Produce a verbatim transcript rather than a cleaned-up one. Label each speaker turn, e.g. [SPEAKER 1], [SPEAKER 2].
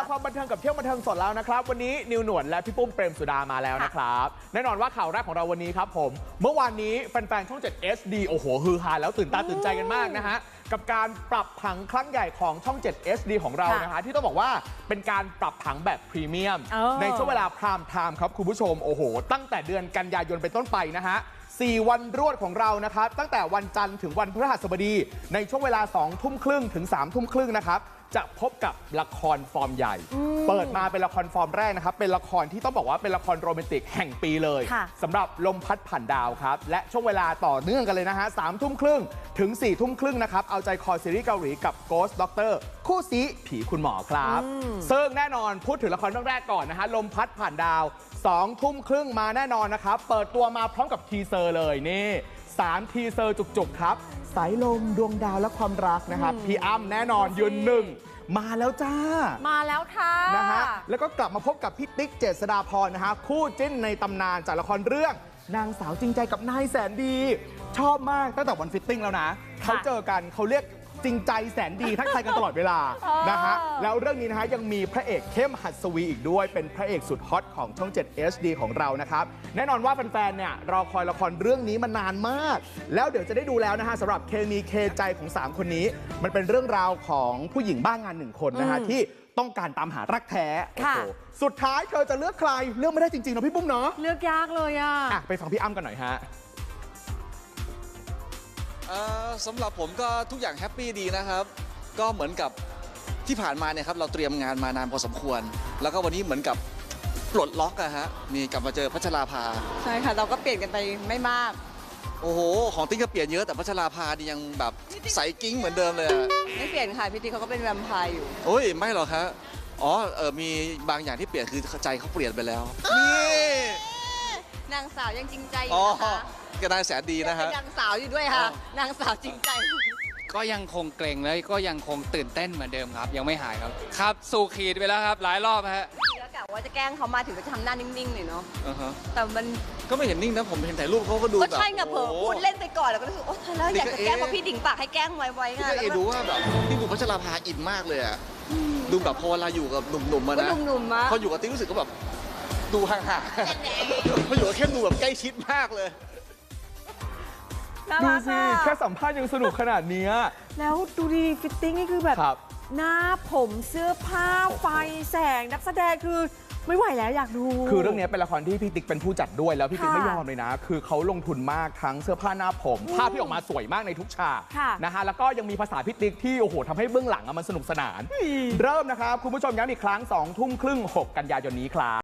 [SPEAKER 1] ความบันเทิงกับเที่ยวบันเทิงสดแล้วนะครับวันนี้นิวหนวดและพี่ปุ้มเปรมสุดามาแล้วนะครับแน่นอนว่าข่าวแรกของเราวันนี้ครับผมเมื่อวานนี้แฟนๆช่อง เจ็ด เอส ดี โอ้โหฮือฮาแล้วตื่นตาตื่นใจกันมากนะฮะกับการปรับผังครั้งใหญ่ของช่อง เจ็ด เอส ดี ของเรานะฮะที่ต้องบอกว่าเป็นการปรับผังแบบพรีเมียมในช่วงเวลาพรามไทม์ครับคุณผู้ชมโอ้โหตั้งแต่เดือนกันยายนเป็นต้นไปนะฮะสี่วันรวดของเรานะครับตั้งแต่วันจันทร์ถึงวันพฤหัสบดีในช่วงเวลาสองทุ่มครึ่งถึงสามทุ่มครึ่งนะครับจะพบกับละครฟอร์มใหญ่เปิดมาเป็นละครฟอร์มแรกนะครับเป็นละครที่ต้องบอกว่าเป็นละครโรแมนติกแห่งปีเลยสำหรับลมพัดผ่านดาวครับและช่วงเวลาต่อเนื่องกันเลยนะฮะสามทุ่มครึ่งถึงสี่ทุ่มครึ่งนะครับเอาใจคอซีรีส์เกาหลีกับ Ghost Doctor คู่ซีผีคุณหมอครับซึ่งแน่นอนพูดถึงละครเรื่องแรกก่อนนะฮะลมพัดผ่านดาวสองทุ่มครึ่งมาแน่นอนนะครับเปิดตัวมาพร้อมกับทีเซอร์เลยนี่สามทีเซอร์จุกๆครับสายลมดวงดาวและความรักนะครับพี่อ้ำแน่นอนยืนหนึ่งมาแล้วจ้า
[SPEAKER 2] มาแล้วค่ะ
[SPEAKER 1] นะฮะแล้วก็กลับมาพบกับพี่ติ๊กเจษฎาพรนะฮะคู่จิ้นในตำนานจากละครเรื่องนางสาวจริงใจกับนายแสนดีชอบมากตั้งแต่วันฟิตติ้งแล้วนะเขาเจอกันเขาเรียกจริงใจแสนดีทักทายกันตลอดเวลานะฮะแล้วเรื่องนี้นะฮะยังมีพระเอกเข้มหัสวีอีกด้วยเป็นพระเอกสุดฮอตของช่อง เจ็ด เอส ดี ของเรานะครับแน่นอนว่าแฟนๆเนี่ยรอคอยละครเรื่องนี้มานานมากแล้วเดี๋ยวจะได้ดูแล้วนะฮะสำหรับเคมีเคใจของสามคนนี้มันเป็นเรื่องราวของผู้หญิงบ้างงานหนึ่งคนนะฮะที่ต้องการตามหารักแท้โอ้โหสุดท้ายเธอจะเลือกใครเลือกไม่ได้จริงๆนะพี่ปุ้มเนาะ
[SPEAKER 2] เลือกยากเลยอ่ะ
[SPEAKER 1] ไปฟังพี่อ้ำกันหน่อยฮะ
[SPEAKER 3] สำหรับผมก็ทุกอย่างแฮปปี้ดีนะครับก็เหมือนกับที่ผ่านมาเนี่ยครับเราเตรียมงานมานานพอสมควรแล้วก็วันนี้เหมือนกับปลดล็อกอะฮะมีกลับมาเจอพัชราภา
[SPEAKER 2] ใช่ค่ะเราก็เปลี่ยนกันไปไม่มาก
[SPEAKER 3] โอ้โหของติ๊กก็เปลี่ยนเยอะแต่พัชราภานี่ยังแบบใสกิ้งเหมือนเดิมเลย
[SPEAKER 2] ไม่เปลี่ยนค่ะพี่ติ๊กเขาก็เป็นแวมไพร์อยู่
[SPEAKER 3] โอ้ยไม่หรอกครับอ๋อเออมีบางอย่างที่เปลี่ยนคือใจเขาเปลี่ยนไปแล้วนี่
[SPEAKER 2] นางสาวยังจริงใจอยู่นะคะ
[SPEAKER 3] ก็นายแสนดีนะฮะ
[SPEAKER 2] นางสาวอยู่ด้วยค่ะนางสาวจริงใจ
[SPEAKER 4] ก็ยังคงเกรงแล้วก็ยังคงตื่นเต้นเหมือนเดิมครับยังไม่หายครับครับสู่ขีดไปแล้วครับหลายรอบฮะ
[SPEAKER 2] แล้วกะว่าจะแกล้งเขามาถึงจะทำหน้านิ่งๆหน่อยเนาะแต่มัน
[SPEAKER 3] ก็ไม่เห็นนิ่งนะผมเห็นถ่ายรูปเขาก็ดูแบบ
[SPEAKER 2] ก็ใช่ไงเผลอพูดเล่นไปก่อนแล้วก็รู้สึกโอ๊ยแล้วอยากจะแกล้งเพราะพี่ดิ่งปากให้แกล้งไว้ๆไง
[SPEAKER 3] แล้วก็ดูว่าแบบพี่บุ๋มพัชราภาอินมากเลยอะดูแบบพอเวลาอยู่กับหนุ่มๆมานะ
[SPEAKER 2] หนุ่มๆมา
[SPEAKER 3] พออยู่กับติ๊กรู้สึกก็แบบดูห่างๆพออยู่กับเข้มดูแบบใกล้ชิดมากเลย
[SPEAKER 1] ดูสิแค่สัมภาษณ์ยังสนุกขนาดนี้
[SPEAKER 2] แล้วดูดีฟิตติ้งนี่คือแบบหน้าผมเสื้อผ้าไฟแสงนักแสดงคือไม่ไหวแล้วอยากดู
[SPEAKER 1] คือเรื่องนี้เป็นละครที่พี่ติ๊กเป็นผู้จัดด้วยแล้วพี่ติ๊กไม่ยอมเลยนะคือเขาลงทุนมากทั้งเสื้อผ้าหน้าผมภาพที่ออกมาสวยมากในทุกฉากนะฮะแล้วก็ยังมีภาษาพี่ติ๊กที่โอ้โหทำให้เบื้องหลังมันสนุกสนานเริ่มนะครับคุณผู้ชมย้ำอีกครั้งสองทุ่มครึ่งหกกันยายนนี้ครับ